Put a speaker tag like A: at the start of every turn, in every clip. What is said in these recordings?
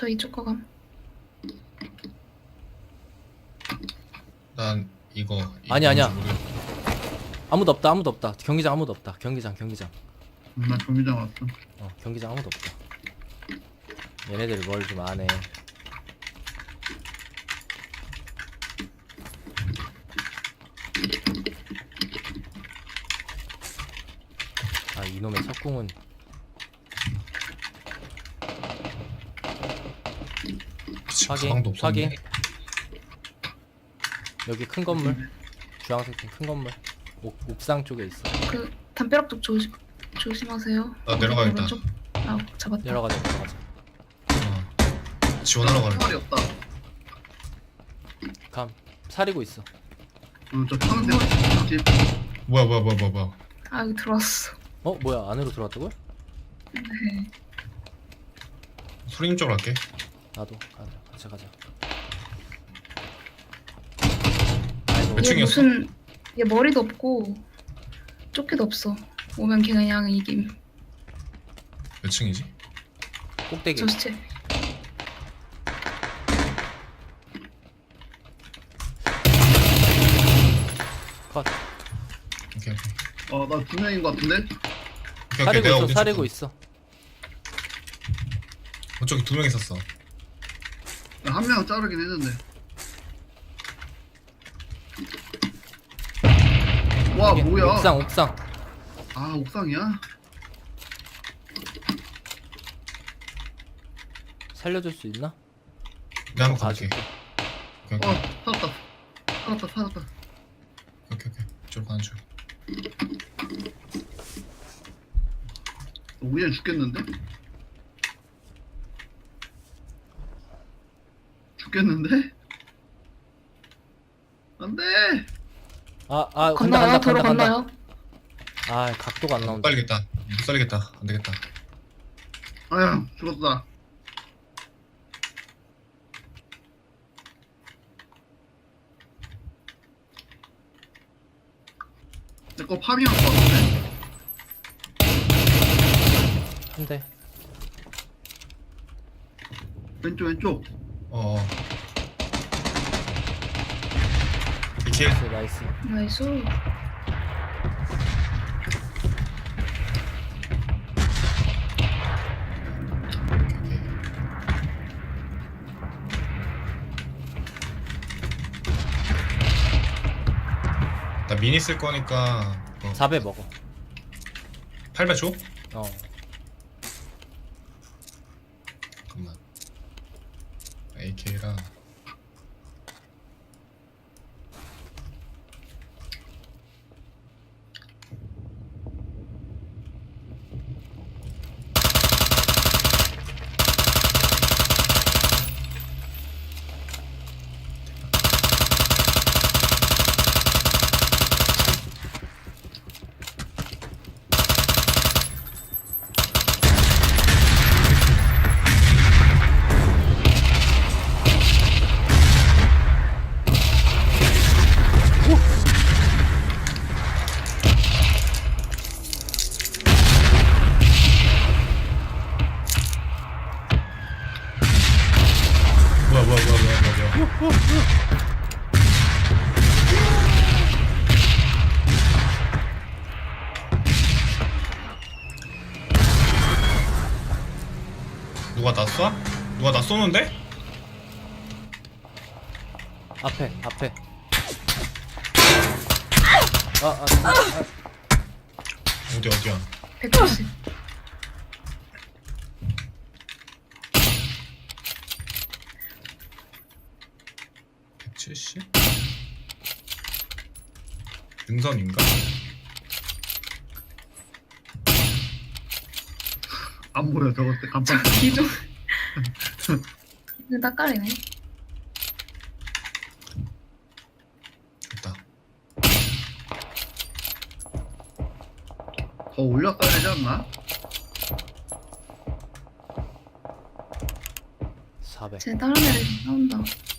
A: 저 이쪽 가감.
B: 난 이거
C: 아니야.
B: 뭔지 모르겠-
C: 아무도 없다. 경기장 아무도 없다. 경기장.
D: 나 경기장 왔어.
C: 경기장 아무도 없다. 얘네들이 뭘 좀 안해. 아, 이놈의 석궁은
B: 그치,
C: 확인,
B: 가방도 없었네.
C: 확인. 여기 큰 건물, 주황색 큰 건물, 옥상 쪽에 있어.
A: 그 담벼락 쪽 조심하세요.
B: 나 내려가겠다.
A: 오른쪽. 아 잡았다.
C: 내려가자.
B: 지원하러 가는
D: 총알이 없다.
C: 감 사리고 있어.
D: 저 파는 데가 집.
B: 뭐야.
A: 아 여기 들어왔어.
C: 뭐야, 안으로 들어왔다고요?
A: 네.
B: 소리님 쪽으로 갈게.
C: 나도 가자. 아이고,
B: 몇
A: 얘
B: 층이었어?
A: 무슨 얘 머리도 없고 조끼도 없어. 오면 걔 그냥 이김.
B: 몇 층이지?
C: 꼭대기.
A: 저 시체.
C: 컷.
B: 오케이.
D: 나 2명인 것 같은데?
B: 오케이,
C: 사리고
B: 내가
C: 있어.
B: 어디
C: 사리고
B: 있었어?
C: 있어.
B: 저기 2명 있었어.
D: 한 명 자르긴 했는데. 와
C: 여기,
D: 뭐야?
C: 옥상.
D: 아 옥상이야?
C: 살려줄 수 있나?
B: 내가 한번 가볼게.
C: 가줄게.
B: 오케이.
D: 살았다.
B: 오케이. 이쪽으로 가는 중.
D: 우연 죽겠는데? 안돼.
A: 건너요. 도로
C: 간다.
A: 건너요.
C: 아, 각도가 안
B: 못
C: 나온다.
B: 살리겠다. 못 살리겠다. 안 되겠다.
D: 아야 죽었다. 내 거 파밍할 것 같은데.
C: 한 대.
D: 왼쪽.
B: 이킬.
C: 나이스.
A: 나이스.
B: 나 미니 쓸 거니까
C: 4배 먹어.
B: 8배 줘?
C: 어.
B: 잠깐만. AK랑 뭐야. 누가 나 쏴? 누가 나 쏘는데?
C: 앞에.
B: 어디야?
A: 190.
B: 170? 능선인가?
D: 안 보여 저것 때 간판.
A: 기둥. 이거 닦아리네.
B: 됐다.
D: 더 올렸어야 되지 않나?
C: 400.
A: 쟤 다른 애들 나온다.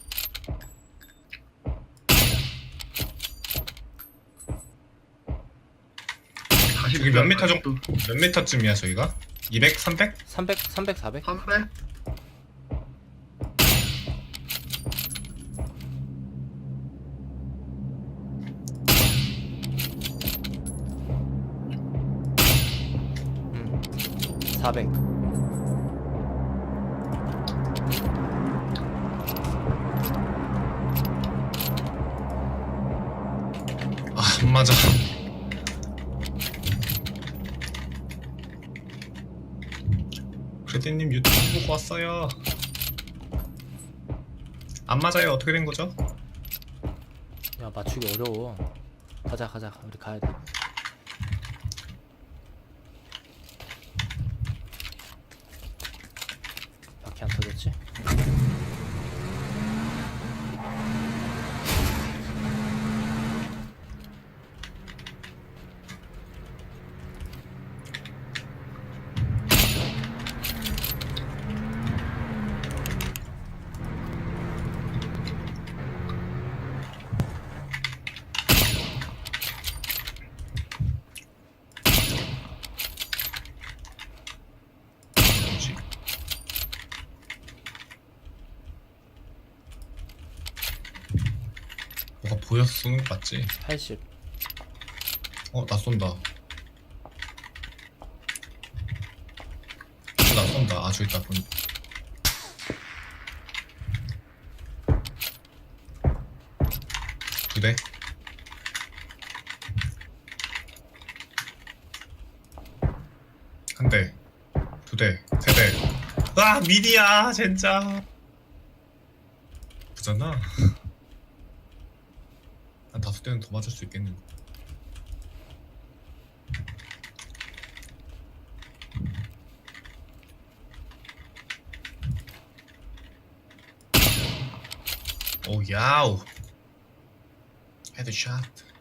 D: 다시
B: 저기 몇 미터 정도? 몇 미터쯤이야 저기가? 200? 300?
C: 300, 400.
D: 300?
C: 400.
B: 아, 안 맞아. 크레디님 유튜브 보고 왔어요. 안 맞아요. 어떻게 된 거죠?
C: 야, 맞추기 어려워. 가자, 우리 가야 돼. 바퀴 안 터졌지?
B: 뭐지? 뭐가 보여서 쏘는 거 맞지?
C: 80.
B: 나 쏜다. 나 쏜다. 아, 저기 있다. 두 대. 한 대. 두 대. 세 대. 아, 미디야, 진짜. 부잖아. 한 5대는 더 맞을 수 있겠는데. 오, 야우. 헤드샷.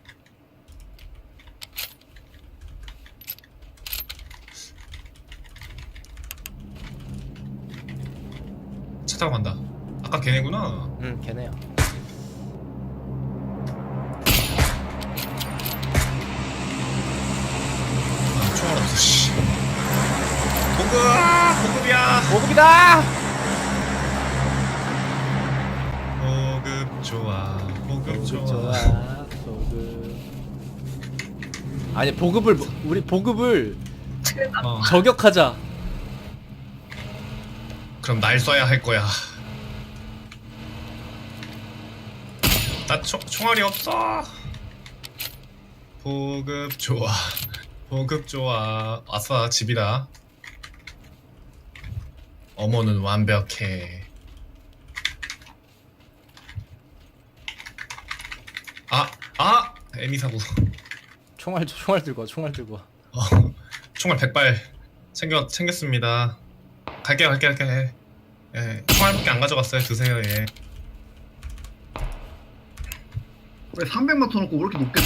B: 차 타고 간다. 아까 걔네구나.
C: 응, 걔네야.
B: 아, 총알 없어, 씨. 보급이야.
C: 보급이다!
B: 보급 좋아. 보급 좋아.
C: 보급. 아니, 우리 보급을
B: 어,
C: 저격하자.
B: 그럼 날 쏴야 할 거야. 나 총알이 없어. 보급 좋아. 보급 좋아. 아싸, 집이다. 어머는 완벽해. 애미 사고.
C: 총알 들고 와, 총알 들고 와.
B: 총알 100발 챙겼습니다. 갈게요. 예, 총알밖에 안 가져갔어요. 드세요. 예.
D: 왜 300만 터놓고 왜 이렇게 높겠다?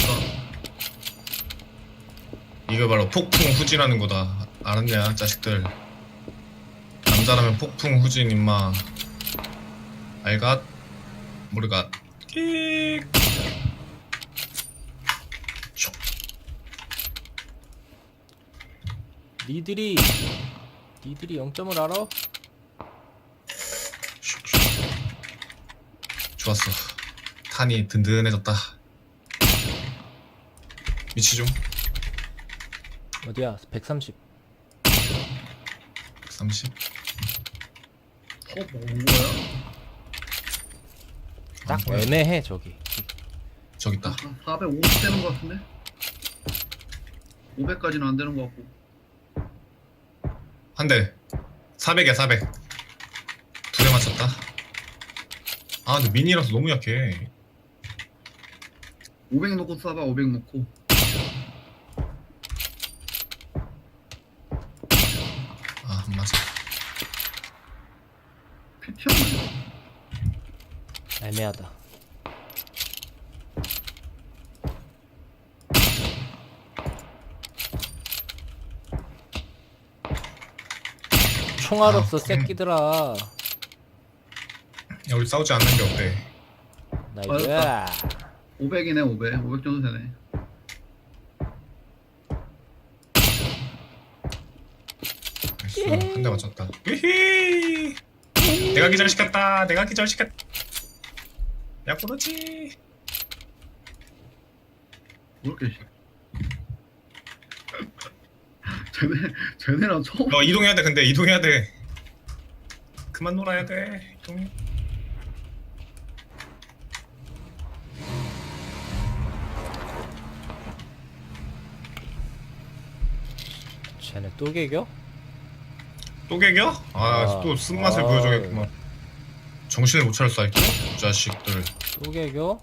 B: 이거 바로 폭풍 후지라는 거다. 알았냐, 자식들. 남자라면 폭풍 후진 임마. 알갓? 모르갓. 킥. 슉.
C: 니들이 0점을 알아?
B: 슉. 좋았어. 탄이 든든해졌다. 위치 좀.
C: 어디야? 130.
B: 130.
D: 먹은 거야?
C: 딱
B: 뭐야?
C: 애매해 저기.
B: 저기 있다.
D: 450 되는 거 같은데? 500까지는 안 되는 거 같고.
B: 한 대. 400이야, 400. 두 대 맞췄다. 아, 근데 미니라서 너무 약해.
D: 500 놓고 쏴봐. 500 놓고.
B: 아, 안 맞아.
D: 피 튀었네.
C: 애매하다. 총알 없어 새끼들아.
B: 야, 우리 싸우지 않는 게 어때?
C: 나이스.
D: 500이네 500. 500 정도 되네.
B: 한 대 맞췄다. 으히! 내가 기절시켰다. 내가 기절시켰다. 야, 그렇지.
D: 왜 이렇게 쟤네랑 처음
B: 이동해야 돼. 근데 이동해야 돼. 그만 놀아야 돼. 이동해.
C: 쟤네 또 개겨?
B: 또 개겨? 또 쓴맛을 보여줘야겠구만. 정신을 못 차렸어, 이 자식들.
C: 또 개겨?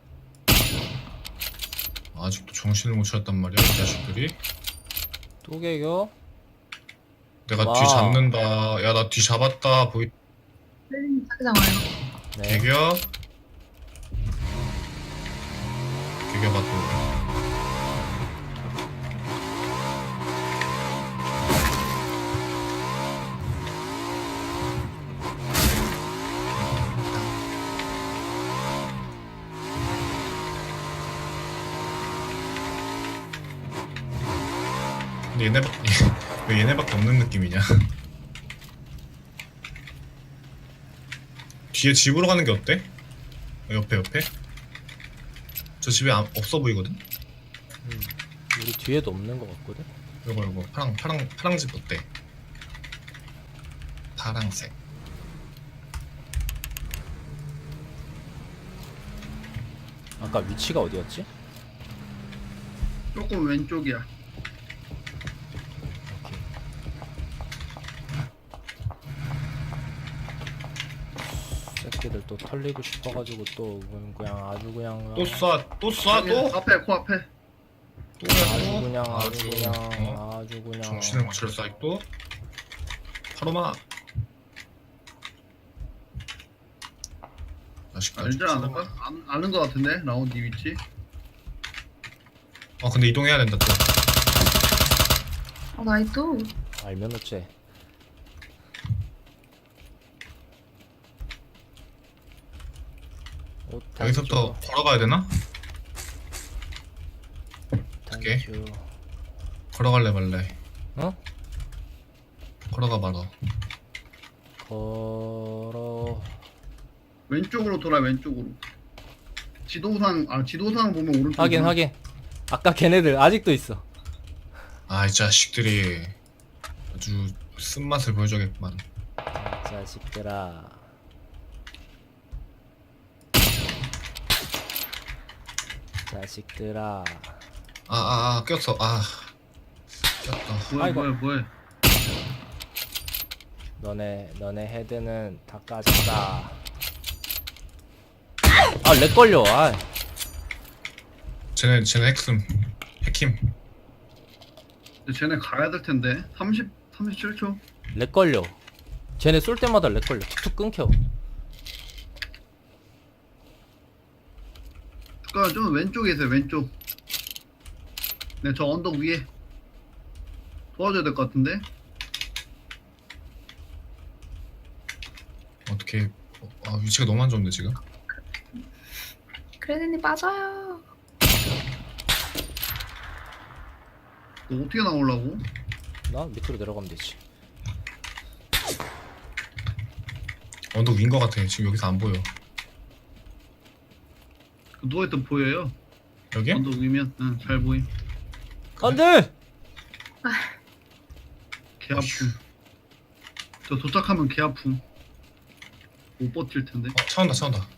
B: 아직도 정신을 못 차렸단 말이야, 이 자식들이.
C: 또 개겨?
B: 내가
C: 와.
B: 뒤 잡는다. 야, 나 뒤 잡았다. 보이.
A: 크레디님 자기장 와요.
C: 네.
B: 개겨. 개겨봐 또. 근데 왜 얘네밖에 없는 느낌이냐? 뒤에 집으로 가는 게 어때? 옆에. 저 집에 없어 보이거든?
C: 우리 뒤에도 없는 것 같거든?
B: 이거 파랑 집 어때? 파랑색.
C: 아까 위치가 어디였지?
D: 조금 왼쪽이야.
C: 새끼들 또 털리고 싶어가지고 또 그냥 아주 그냥
B: 또 쏴 또?
D: 앞에 코앞에.
C: 아주 그냥 아주 그냥
B: 어?
C: 아주 그냥
B: 정신을 못 차렸어 아직도. 파로마. 자식들.
D: 알지 않을까? 아는 거 같은데 라운드 위치.
B: 근데 이동해야 된다 또.
A: 나이도.
C: 알면 어째.
B: 여기서부터 걸어가야 되나? 어떡해?
C: 단추.
B: 걸어갈래 말래.
C: 어?
B: 걸어가 말어.
C: 걸어.
D: 왼쪽으로 돌아 왼쪽으로. 지도상 보면 오른쪽.
C: 확인. 아까 걔네들 아직도 있어.
B: 이 자식들이 아주 쓴맛을 보여줘야겠구만.
C: 자식들아. 자식들아.
B: 꼈어. 꼈다.
C: 아이고.
D: 뭐해.
C: 너네 헤드는 다 까졌다. 렉 걸려.
B: 쟤네 핵힘.
D: 쟤네 가야 될 텐데. 37초.
C: 렉 걸려. 쟤네 쏠 때마다 렉 걸려. 툭툭 끊겨.
D: 그러니까 좀 왼쪽에 있어요. 왼쪽. 네, 저 언덕 위에 도와줘야 될 것 같은데.
B: 어떻게 위치가 너무 안 좋은데 지금.
A: 크레디님 빠져요.
D: 너 어떻게 나오려고?
C: 나 밑으로 내려가면 되지.
B: 언덕 위인 것 같아. 지금 여기서 안 보여.
D: 그 누워있던 보여요?
B: 여기?
D: 언덕 위면 잘 보임.
C: 안돼.
D: 개 아픔. 저 도착하면 개 아픔. 못 버틸 텐데.
B: 차 온다.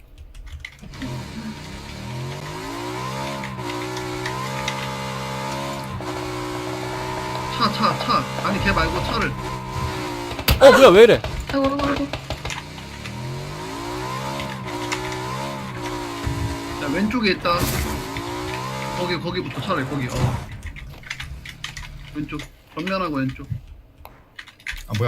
D: 차. 아니 걔 말고 차를.
C: 뭐야 왜 이래?
A: 아이고.
D: 야, 왼쪽에 있다. 거기부터 차를 거기. 왼쪽. 전면하고 왼쪽.
B: 뭐야?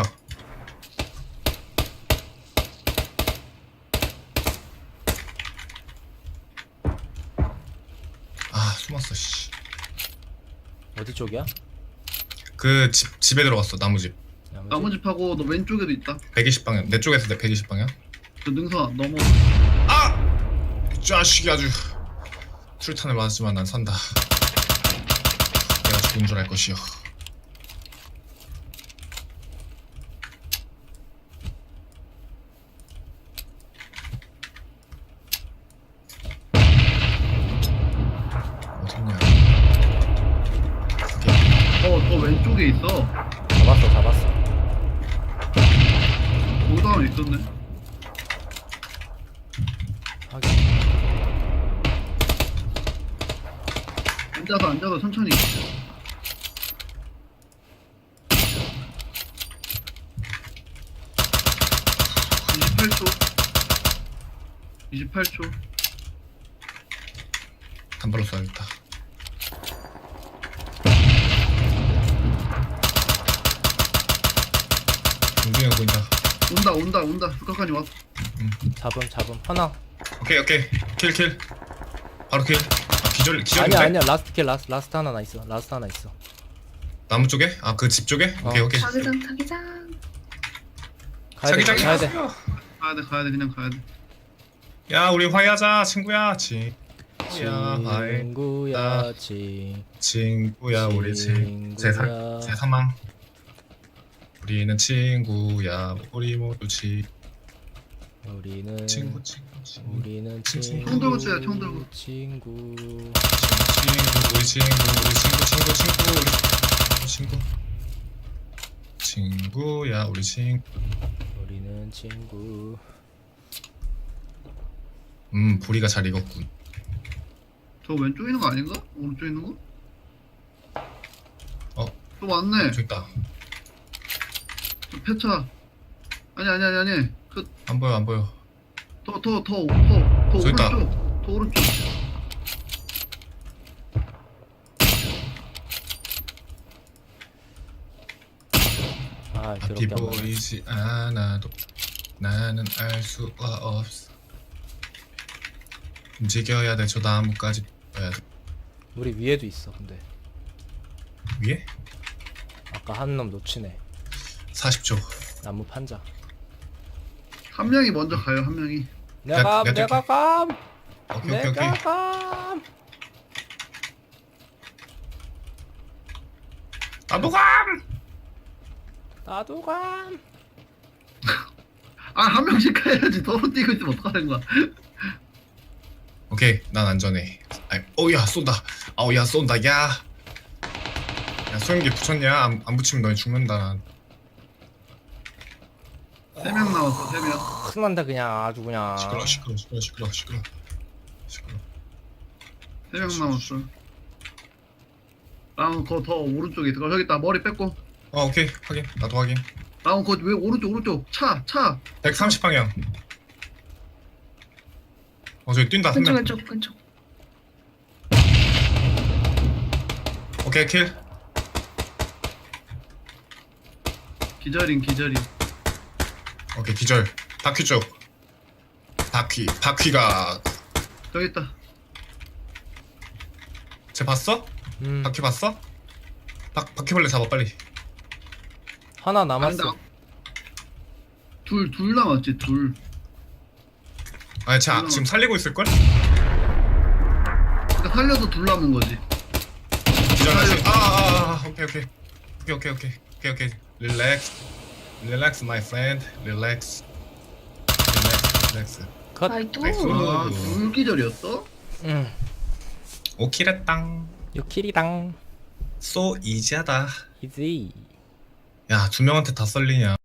B: 숨었어 씨.
C: 어디 쪽이야?
B: 그 집에 들어갔어. 나무집.
D: 나무집하고 너 왼쪽에도 있다.
B: 120방향. 내 쪽에서 내 120방향.
D: 저 능선 넘어.
B: 이 자식이 아주 술탄을 맞았지만 난 산다. 내가 죽은 줄 알 것이요. 어딨냐?
D: 더 왼쪽에 있어.
C: 잡았어.
D: 거기도 하나 있었네.
C: 하긴.
D: 앉아서 천천히. 28초.
B: 단발로 쏴야겠다. 동중이가 보인다.
D: 온다. 북한까지 왔어.
C: 잡음. 하나.
B: 오케이. 킬. 바로 킬. 아, 기절인데?
C: 아니야. 라스트 하나 있어.
B: 나무 쪽에? 아, 그 집 쪽에? 오케이.
A: 자기장.
B: 자기장이
C: 가야 돼.
B: 왔어요.
D: 가야 돼. 그냥 가야 돼.
B: 야, 우리 화해하자, 친구야. 화해. 친구야, 우리 제 사망. 우리는 친구야, 우리 모두
C: 우리는
B: 친구.
C: 우리는
B: 친-
D: 총 들고 쳐야, 총 들고.
C: 친구.
B: 우리 친구. 친구야, 우리 친구.
C: 우리는 친구.
B: 보리가 잘 익었군.
D: 저 왼쪽에 있는 거 아닌가? 오른쪽에 있는 거?
B: 어.
D: 또 왔네.
B: 저기 있다.
D: 저 폐차. 아니.
B: 안 보여.
D: 더
B: 저기 있다.
D: 오른쪽. 더 오른쪽.
C: 아,
B: 앞이
C: 더럽게 안 보여.
B: 보이지 않아도 나는 알 수가 없어. 움직여야 돼. 저 나무까지 가야 돼.
C: 우리 위에도 있어. 근데
B: 위에?
C: 아까 한 놈 놓치네.
B: 40초.
C: 나무 판자.
D: 한 명이 먼저 가요. 한 명이.
C: 내가
B: 내가
C: 감.
B: 오케이.
C: 내가 감. 나도 감.
D: 아, 한 명씩 가야지. 더로 뛰고 있으면 어떡하는 거야?
B: 오케이. 난 안전해. 야 쏜다. 야 쏜다. 야 소형기 붙였냐? 안 붙이면 너희 죽는다. 난.
D: 3명 남았어. 3명.
C: 큰난다 그냥 아주 그냥.
B: 시끄러.
D: 3명 남았어. 라운 더 오른쪽에 있어. 저기 있다. 머리 뺏고.
B: 오케이. 확인. 나도 확인.
D: 라운 왜 오른쪽. 차.
B: 130 방향. 저기 뛴다. 한 명.
A: 왼쪽.
B: 오케이. 킬.
D: 기절인.
B: 오케이. 기절. 바퀴 쪽. 바퀴가
D: 저기 있다.
B: 쟤 봤어? 바퀴 봤어? 바퀴벌레 잡아 빨리.
C: 하나 남았어.
D: 둘 남았지. 둘.
B: 아니 쟤 지금 살리고 있을걸?
D: 그러니까 살려도 둘 남은 거지.
B: 기절하지. 오케이. Relax my friend. Relax.
C: 컷.
A: 아이 또.
B: 나이스.
D: 아, 둘 기절이었어?
B: 오키레땅.
C: 요킬이당.
B: So easy하다.
C: 이지.
B: 야, 2명한테 다 썰리냐.